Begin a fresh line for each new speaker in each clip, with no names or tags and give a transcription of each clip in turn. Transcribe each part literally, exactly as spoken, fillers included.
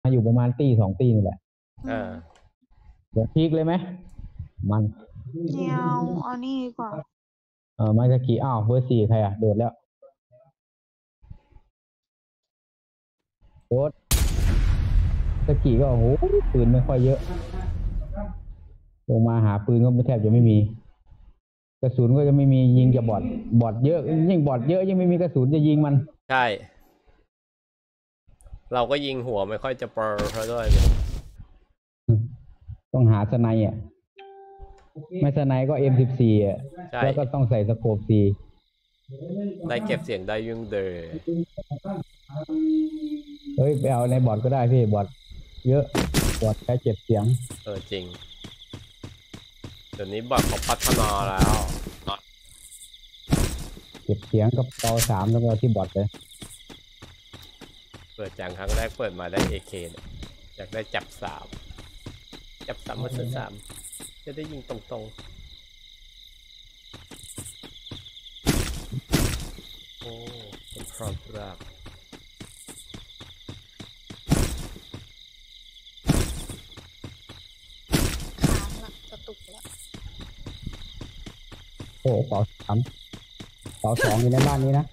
มาอยู่ประมาณตีสองตีนี่แหละ
อ่า
เดี๋ยวพีกเลยไหมมัน
เนียวเอานี่ดีกว่า
เออมาสกีอ้าวเบอร์สี่ใครอ่ะโดดแล้วโดดสกีก็โอ้โหปืนไม่ค่อยเยอะลงมาหาปืนก็ไม่แทบจะไม่มีกระสุนก็จะไม่มียิงจะบอดบอดเยอะยิ่งบอดเยอะยิ่งไม่มีกระสุนจะยิงมัน
ใช่เราก็ยิงหัวไม่ค่อยจะเปอร์เพราะด้วย
ต้องหาสไนอ่ะไม่สไนก็ เอ็ม สิบสี่ อ่ะแล้วก็ต้องใส่สโคปสี่
ได้เก็บเสียงได้ยุ่งเดอ
เฮ้ยไปเอาในบอดก็ได้พี่บอดเยอะบอดใช้เก็บเสียง
เออจริงเดี๋ยวนี้บอดเขาพัฒนาแล้ว
เก็บเสียงกับเตาสามแล้วก็ที่บอดเลย
เปิดจังครั้งแรกเปิดมาได้ เอ เค เนี่ยอยากได้จับสามจับสามมาสามจะได้ยิงตรงๆโอ้เป็นพร้อมรัก
ค้างละกระตุกละ
โอ้เป๋าสามเป๋าสองอยู่ในบ้านนี้นะ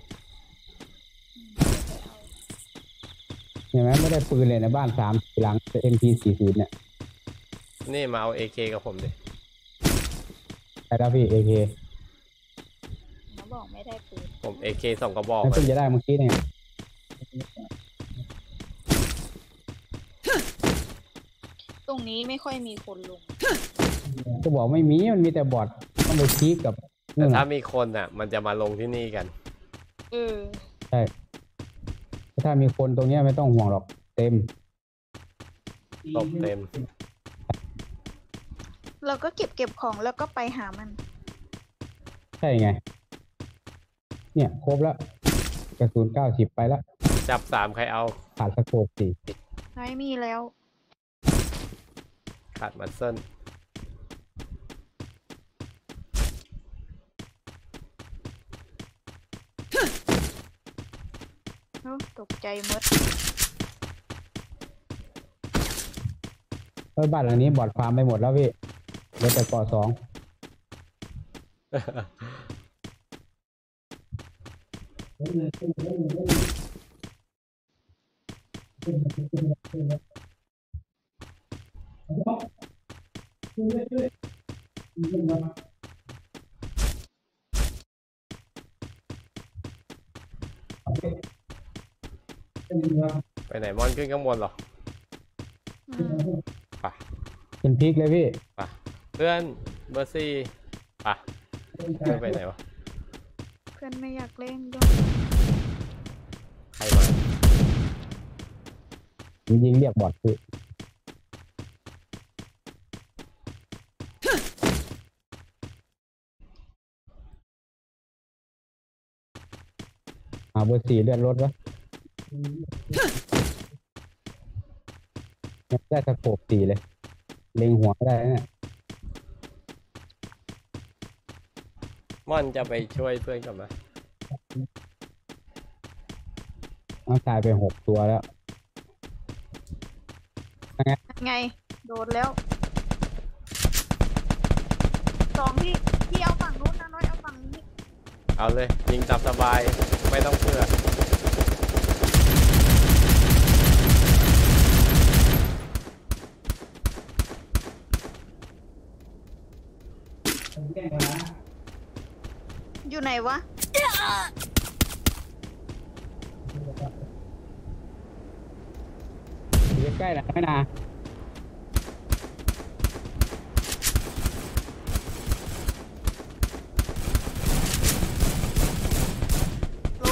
เห็นไหมไม่ได้ปืนเลยในบ้านสามหลัง เอ็ม พี สี่สิบ เนี่ย
นี่มาเอา เอ เค กับผมดิ
ใช่แล้วพี่ เอ เค
เขาบอกไม่ได้ปืน
ผม เอ เค สองกระบอก
เพิ่งจะได้เมื่อกี้เนี่ย
ตรงนี้ไม่ค่อยมีคนลง
ก็บอกไม่มีมันมีแต่บอทต้องไปชี้กับ
แต่ถ้ามีคนอ่ะมันจะมาลงที่นี่กัน
เออ
ใช่ถ้ามีคนตรงนี้ไม่ต้องห่วงหรอกเต็ม
ตบเต็ม
เราก็เก็บเก็บของแล้วก็ไปหามัน
ใช่ไงเนี่ยครบแล้วกระสุนเก้าสิบไปแล้ว
จับสามใครเอา
ขาดสโคปสี่
ไม่มีแล้ว
ขาดมัสเซิล
ตกใจมด
เฮ้ยบ้านหลังนี้บอดฟาร์มไปหมดแล้วพี่เหลือแต่เกาะสอง
ไปไหนมอนขึ้นข้างบนหรอไป
เป็นพริกเลยพี่
ไปเพื่อนเบอร์ซี่ไปเพื่อนไปไหนวะ
เพื่อนไม่อยากเล่นด้วย
ใครมา
ยิงเรียกบอดพี่อ่าเบอร์สี่เลื่อนรถวะได้สโคปสี่เลยเล็งหัวได้เนี่ย
ม่อนจะไปช่วยเพื่อนกันไหม
น้องตายไปหกตัวแล้ว
ไงโดนแล้วสองที่ที่เอาฝั่งนู้นนะน้อยเอาฝั่งนี้
เอาเลยยิงตามสบายไม่ต้องเพื่อ
อยู่ไหนวะ
อยู่ใกล้แล้วไม่นาน
ล้ม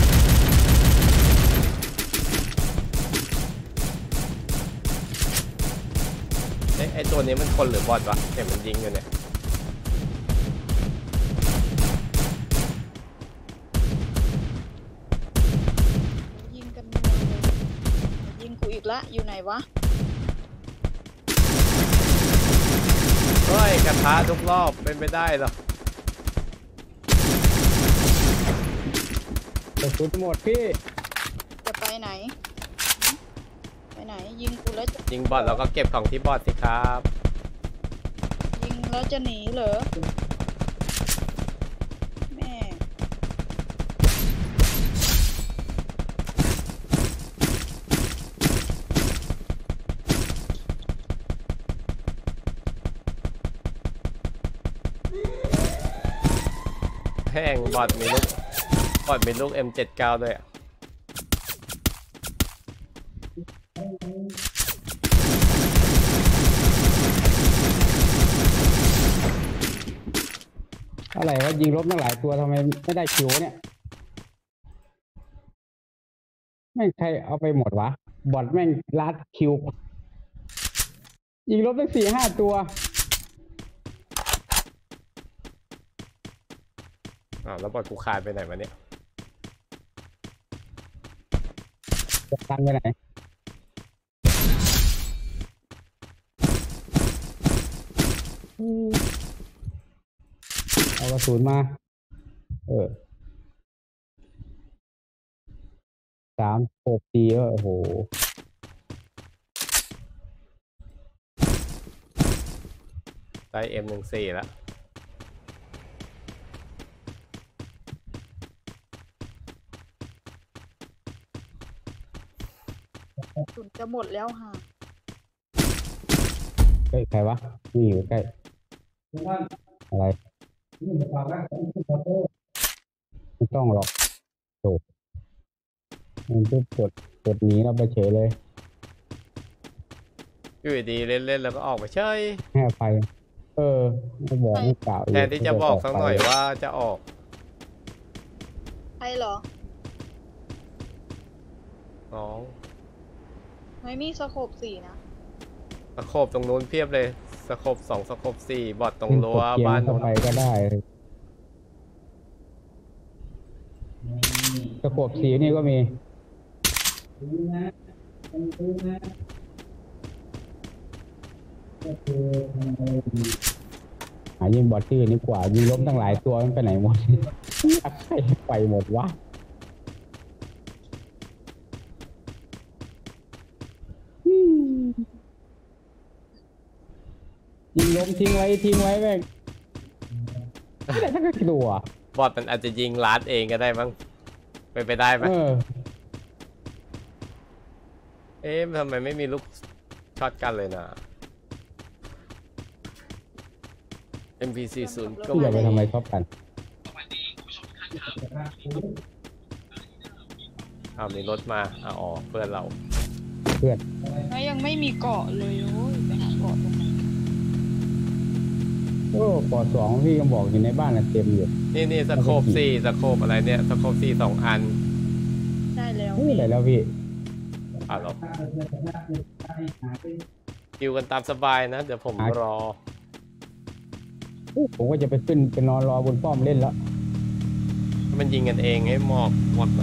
ไอ้ไอ้ตัวนี้มันคนหรือบอทวะเห็นมันยิงอยู่เนี่ย
ละอยู่ไหนวะ
เฮ้ยกระทะทุกรอบเป็นไปได้หรอก
ระสุนหมดพี่
จะไปไหนไปไหนยิงกูแล้วจะ
ยิงบอทแล้วก็เก็บของที่บอทสิครับ
ยิงแล้วจะหนีเหรอแม่
แห้งบอทมีลูกบอทมีลูก เอ็ม เจ็ดสิบเก้า ด้วยอะ
อะไรวะยิงลบตั้งหลายตัวทำไมไม่ได้คิวเนี่ยแม่งใครเอาไปหมดวะบอทแม่งลัดคิวยิงลบตั้งสี่ห้าตัว
อ้าวแล้วบอทกูคายไปไหนวะเนี่ย
จะตันไปไหนเอากระสุนมา เออสามหกตีโอ้โห
ได้ เอ็ม หนึ่งสี่ แล้ว
สุนจะหมดแล้วค่ะ
เฮ้ยใครวะนี่อยู่ใกล้อะไรไม่ต้องหรอกโถมันจะกดกดหนีเราไปเฉยเลย
อยู่ดีๆเล่นๆแล้วก็ออกไปเฉย
ให้อภัยเออไม่บอกไม่กล่าว
แทนที่จะบอกสักหน่อยว่าจะออก
ใครเหรอ
น้อง
ไม่มีสโคปสี่นะ
สโคบตรงนู้นเพียบเลยสโคบสองสโคบสี่บอทตรงรั้ว
กดเกีย
บ้าน
ร์เข้า
นู้น
ไปก็ได้ตะขวบสีนี่ก็มีหายิงบอทที่นี่กว่ายิงล้มตั้งหลายตัวมันไปไหนหมด ใครไปหมดวะยิงล้มทิ้งไว้ทิ้งไว้แม่งไม่ได้ทั้งกระตัว
บอทมันอาจจะยิงลัดเองก็ได้มั้งไปนไปได้ไหม
เออ
เอ๊ะทำไมไม่มีลูกช็อตกันเลยนะ เอ็ม พี สี่สิบ ก็
ที่อย่าไป
ไม่
ทำไม
มี
ชอบกัน
อ้าวมีรถมาอ่ะอ๋อเพื่อนเรา
เพื่อน
แล้วยังไม่มีเกาะเลยโอ้ยไปหาเกาะตรงไหน
โอ้ปอสองพี่ก็บอกอยู่ในบ้านน่ะเต็มอยู่
นี่นี่สโคบสี่สโคบอะไรเนี่ยสโคบสี่สองอัน
ได้แล้ว
นี่อะไรแล้วพี่
อ่ะหรอคิวกันตามสบายนะ เดี๋ยวผมรอ
ผมก็จะไปขึ้นไปนอนรอบนป้อมเล่นแล้ว
มันยิงกันเองให้หมอกหมดอะ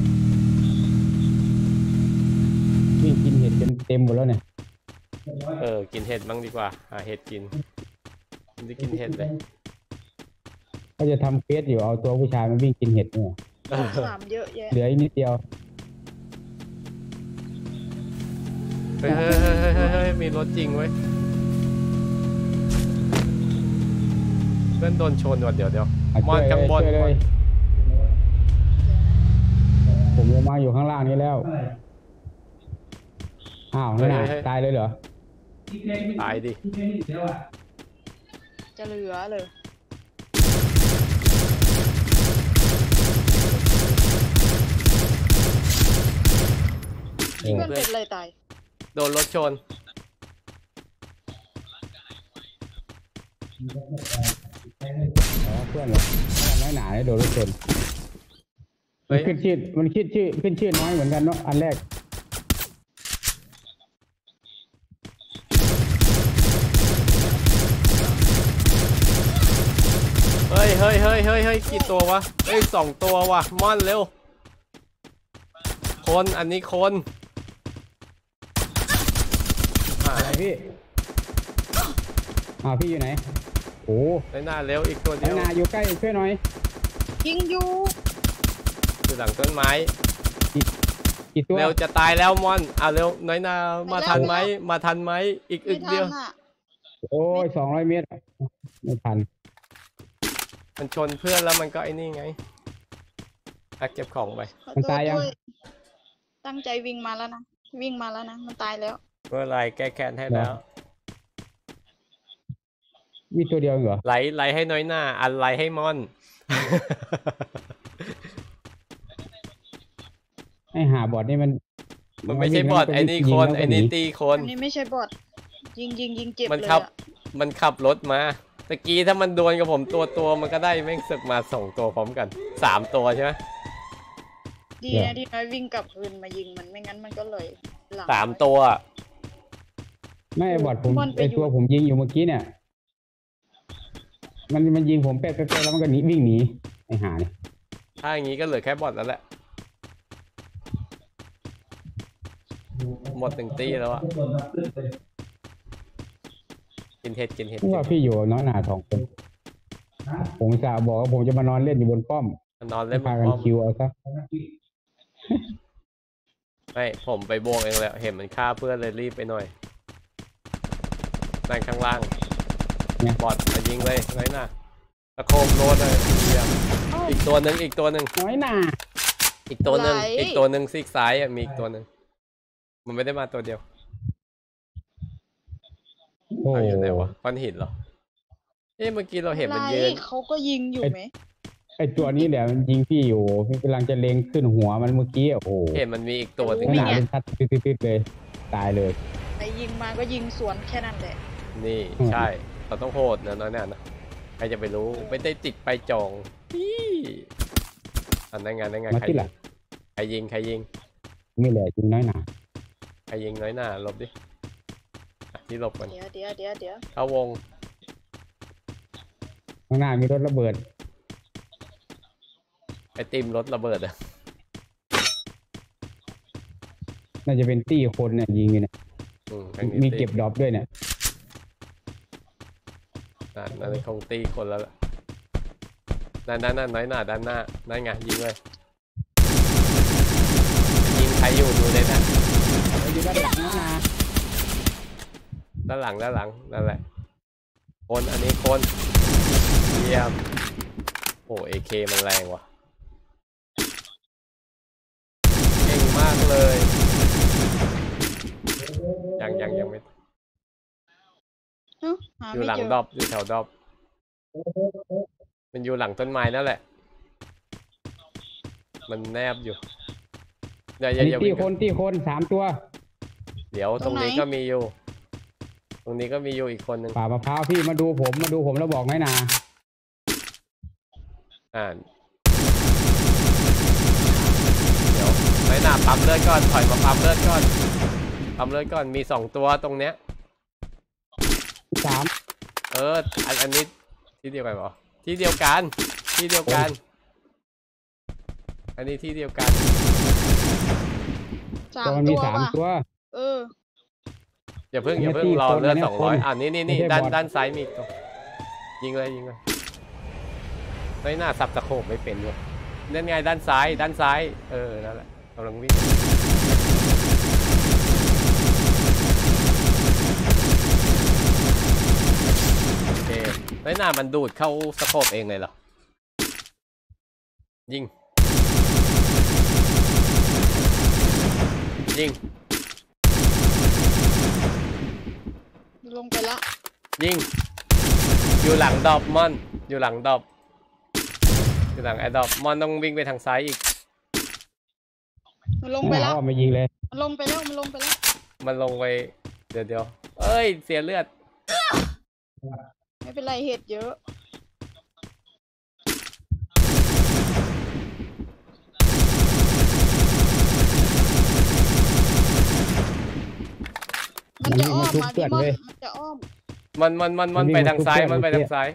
วิ่งกินเห็ดจนเต็มหมดแล้วเนี่ย
เออ กินเห็ดบ้างดีกว่า หาเห็ดกินผมจะกินเห็ดเลย
ก็จะทำเฟสอยู่เอาตัวผู้ชายมาวิ่งกินเห็ดเนี่ย
สามเยอะแยะ
เหลืออีกนิดเดียว
เฮ้ยเฮ้ยเฮ้ยเฮ้ยเฮ้ยมีรถจริงเว้ย เพื่อนโดนชนว่ะเดี๋ยวเดี๋ยว
อ่ะ
มอนข้างบน
ช่วยเลยผมลงมาอยู่ข้างล่างนี้แล้ว อ้าวนั่นน่ะตายเลยเหรอ
ตายดิ
จะเหลือเลย
เออ
เพื่อนเป็นอะไรตาย
โดนรถชน
อ๋อเพื่อนเหรอน้อยหนาเนี่ยโดนรถชน
เฮ้
มัน
ย
ขึ้นชื่อมันคิดชื่อขึ้นชื่อน้อยเหมือนกันเนาะอันแรก
เฮ้ยเฮ้ยเฮ้ยเฮ้ยเฮ้ยกี่ตัววะ เฮ้ยสองตัววะม่อนเร็ว คนอันนี้คน อ่า
อะไรพี่อ้าวพี่อยู่ไหนโอ้
ไปหน้าเร็วอีกตัว
ไอ้
เดียว
นาอยู่ใกล้ช่วยหน่อย
ยิงอยู่
อยู่หลังต้นไม้
กี่กี่ตัว
เร็วจะตายแล้วมอนอ่ะเร็วน้อยนามาทันไหมมาทันไหมอีกอึ
ไม่
ก
ทั
เดีย
น
ว
อ่ะ
โอ้ยสองร้อยเมตรไม่ทัน
มันชนเพื่อนแล้วมันก็ไอ้นี่ไงอ่ะเก็บของไป
ขอ
มัน
โทษ
ตายยัง
ด้วยตั้งใจวิ่งมาแล้วนะวิ่งมาแล้วนะมันตายแล้ว
เมื่อไรแก้แค้นให้แล้ว
มีตัวเดียวเหรอ
ไลไลให้น้อยหน้าอันไลให้มอน
ไอ้หาบอดนี่มัน
มันไม่ใช่บอทไอ้นี่คนไอ้นี่ตีคน
อันนี้ไม่ใช่บอทยิงยิงยิงเจ็บ
มัน
เลย
ขับ
อะ
มันขับรถมาตะกี้ถ้ามันดวลกับผมตัวตัวมันก็ได้แม่งศึกมาสองตัวพร้อมกันสามตัวใช่ไหม
ดีนะที่น้อยวิ่งกลับคืนมายิงมันไม่งั้นมันก็เลยหลัง
สามตัว
ไม่ไอ้บอดผม
บอลไป
ไอ้
อยู่
ตัวผมยิงอยู่เมื่อกี้เนี่ย มันมันยิงผมแป๊ะแป๊ะแป๊ะแล้วมันก็หนีวิ่งหนีไอ้หาเนี่ย
ถ้าอย่างนี้ก็เหลือแค่บอทแล้วแหละหมดหนึ่งตีแล้วอะกินเห็ดกินเห็ด
เพราะว่าพี่อยู่น้อยหนาสองคน ผมจะบอกว่าผมจะมานอนเล่นอยู่บนป้อม
นอนเล่นบ
พาน กัน
ป้อม
คิวเอาซะ
ไม่ผมไปบวกเองแล้วเห็นมันฆ่าเพื่อนเลยรีบไปหน่อยนั่งข้างล่างบอทมายิงเลยน้อยหน้าตะโคมโรดเลยเยี่ยมอีกตัวหนึ่งอีกตัวหนึ่ง
น้อยหนา
อีกตัวหนึ่งอีกตัวหนึ่งซีกซ้ายอ่ะมีอีกตัวหนึ่งมันไม่ได้มาตัวเดียว
โอ้
เอาอยู่ไหนวะก้อนหินเหรอเอ๊ะเมื่อกี้เราเห็นมันยืน
ไรเขาก็ยิงอยู่ไหม
ไอ้ตัวนี้เดี๋ยวมันยิงพี่อยู่พี่กำลังจะเล็งขึ้นหัวมันเมื่อกี้โอ้โห
เห็นมันมีอีกตัวหนึ่ง
น้อยหนาเป็นชัดติดๆๆเลย ตายเลย
ไปยิงมาก็ยิงสวนแค่นั้นแหละ
นี่ใช่เราต้องโหดนะน้อยหน่านะใครจะไปรู้ไม่ได้ติดไปจองพี่อันนั้นไงนั่นไง
มา
ใคร
ที่
ยิ
หลั
ง
ง
ใครยิงใครยิง
ไม่แหละจริงน้อยหนา
ใครยิงน้อยหน้าหลบดิอ่ะที่หลบกัน
เดี๋ยวเดี๋ยวเดี๋ยวเดี๋ยว
เข้าวง
ข้างหน้ามีรถระเบิด
ไอติมรถระเบิดอ่ะ
น่าจะเป็นตี้คนเนี่ยยิงอยู่เนี่ย
อืมทางนี้
มี
ตี
เก็บดรอปด้วยเนี่ย
อ่ะนั่นคงตีคนแล้วล่ะนั่นนั่นนั่นน้อยหน้าด้านหน้านั่นไงยิงเลยยิงใครอยู่ดูเลยนะ
อยู่ด้านหลังนะ
ด้านหลังด้านหลังนั่นแหละคนอันนี้คนเยี่ยมโอ้เอเคมันแรงว่ะเก่งมากเลยยังยังยังไม่
เอ้าหา
อยู่
ไม่
หลัง
เจอ
ดอบอยู่แถวดอบมันอยู่หลังต้นไม้นั่นแหละมันแนบอยู่อย่าอ
อั
ย่าน
นี้
อย่า
ตี้
วิ่ง
คนตี้คนสามตัว
เดี๋ยวตรงนี้ก็มีอยู่ ตรงนี้ก็มีอยู่อีกคนหนึ่ง
ป่ามะพร้าวพี่มาดูผมมาดูผมแล้วบอกน้อยหนา
อ่าเดี๋ยวไม่น่าปั๊มเลือดก่อนถอยมาปั๊มเลือดก่อนปั๊มเลือดก่อนมีสองตัวตรงเนี้ย
สาม
เอออันอันนี้ที่เดียวกันเหรอที่เดียวกันที่เดียวกัน อันนี้ที่เดียวกัน
สา
ตัว
ม
มันมี
ตัว
สาม
ว่ะ
ตัว
เออ
อย่าเพิ่งอย่าเพิ่ง
เนี่ย
รอ
ตีคน
เลือด
เนี่ย
สองร้อย
คน
อ่านี่นี่นี่
ไม่ใช่
ด้าน
บอท
ด้านซ้ายมีอีกตัวยิงเลยยิงเลยไม่น่าสับตะโขบไม่เป็นเลยนั่นไงด้านซ้ายด้านซ้ายเออนั่นแหละกำลังวิ่งโอเคไม่น่ามันดูดเข้าสโคบเองเลยเหรอยิงยิง
ลงไปละ
ยิงอยู่หลังดอบมอนอยู่หลังดอบอยู่หลังไอ้ดอบมอนต้องวิ่งไปทางซ้ายอีก
มันลงไปละ
อ้อมมายิงเลย
มันลงไปแล้วมันลงไปแล้ว
มันลงไปเดี๋ยวเดี๋ยวเอ้ยเสียเลือด
ไม่เป็นไรเห็ดเยอะมันจะอ้อมมาพี่มอนมันจะอ้อม
มันมันมันมันไปทางซ้ายมันไปทางซ้าย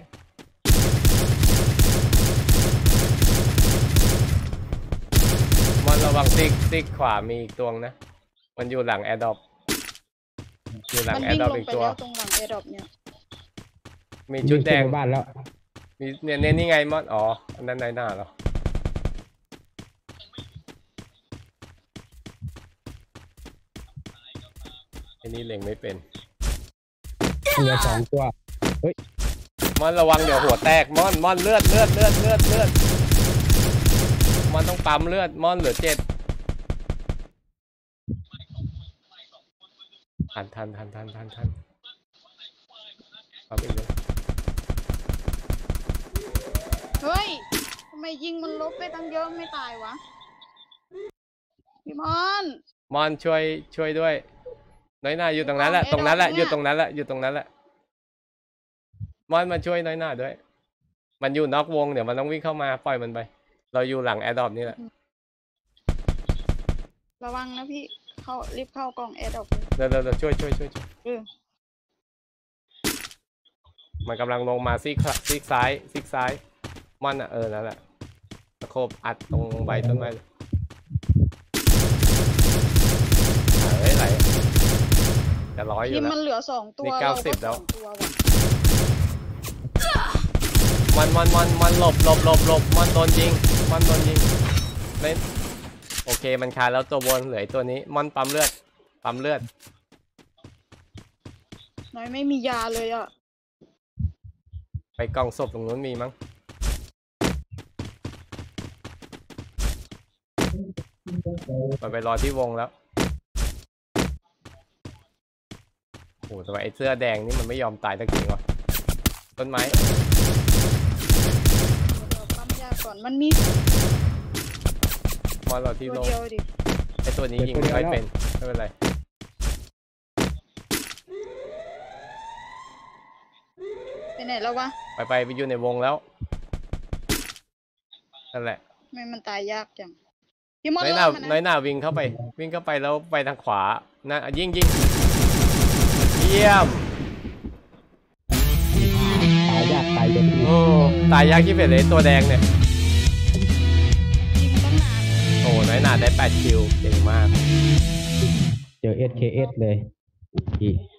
มันระวังซิกซิกขวามีอีกตัวนะมันอยู่หลังแอร์ดรอปอยู่หลัง
มัน
แอ
วิ่
ร์
ง
ดรอป
ลง
อีก
ไป
ตัว
แล้วตรงหลังแอร์ดรอปเนี่ย
มีชุดแดง
วิ่ขึ้นไปบ้านแล้ว
มีเนี่ยเนี่ยนี่ไงมอนอ๋ออันนั้นในหน้าเหรอนี่เล็งไม่เป็น
เหลือสองตัวเฮ้ย
มอนระวังเดี๋ยวหัวแตกมอนมอนเลือดเลือดเลือดเลือดเลือดมอนต้องปั๊มเลือดมอนเหลือเจ็ดทันทันทันทันทันทันปั๊มอีกเลย
เฮ้ยทำไมยิงมันลบไปตั้งเยอะไม่ตายวะพี่มอน
มอนช่วยช่วยด้วยน้อยหน้าอยู่ตรงนั้นแหละตรงนั้นแหละอยู่ตรงนั้นแหละอยู่ตรงนั้นแหละมอนมาช่วยน้อยหน้าด้วยมันอยู่นอกวงเดี๋ยวมันต้องวิ่งเข้ามาปล่อยมันไปเราอยู่หลังแอร์ดรอปนี่แหละ
ระวังนะพี่เข้ารีบเข้ากล่องแอร์ดอก
เร็วเร็วเร็วช่วยช่วยช่วยช่วย
เออ
มันกำลังลงมาซีกขวาซีกซ้ายซีกซ้ายมอนอ่ะเออนั่นแหละตะโคบอัดตรงใบต้นไม้เฮ้ยไหลจะร้อยอยู่
ทีม
แล้ว
มันเหลือสองตัว
นี่เก้าสิบ
ร
แล้ว
สองตัวว่ะ
มันมันมันมันหลบหลบหลบหลบมันโดนยิงมันโดนยิงเล่นโอเคมันคาแล้วตัวบนเหลือตัวนี้มันปั๊มเลือดปั๊มเลือด
น้อยไม่มียาเลยอ่ะ
ไปกองศพตรงนู้นมีมั้งมันไปรอที่วงแล้วโอ้ทำไมไอ้เสื้อแดงนี่มันไม่ยอมตายสักทีวะต้นไม้
เราปั๊มยาก่อนมันมี
มอนรอที่
ตัว
โล
เดียวดิ
ไอ้ตัวนี้ยิงไม่ค่อยเป็นไม่เป็นไร
ไปไหนแล้ววะ
ไปไปไปอยู่ในวงแล้วนั่นแหละ
ทำไมมันตายยากจังพี่มอน
น้อยห
ล่
น้า
อมัน
น้อย
นะ
หน้าวิ่งเข้าไป วิ่งเข้าไปแล้วไปทางขวานะยิงยิงเยี่ยม
ตายยากตายเย็น
โอ้ตายยากที่เป็นเลยตัวแดงเนี่ย
ยิงตั้งนาน
โอ้น้อยหน้าได้แปดคิวเก่งมาก
เจอ เอส เค เอส เลยอีก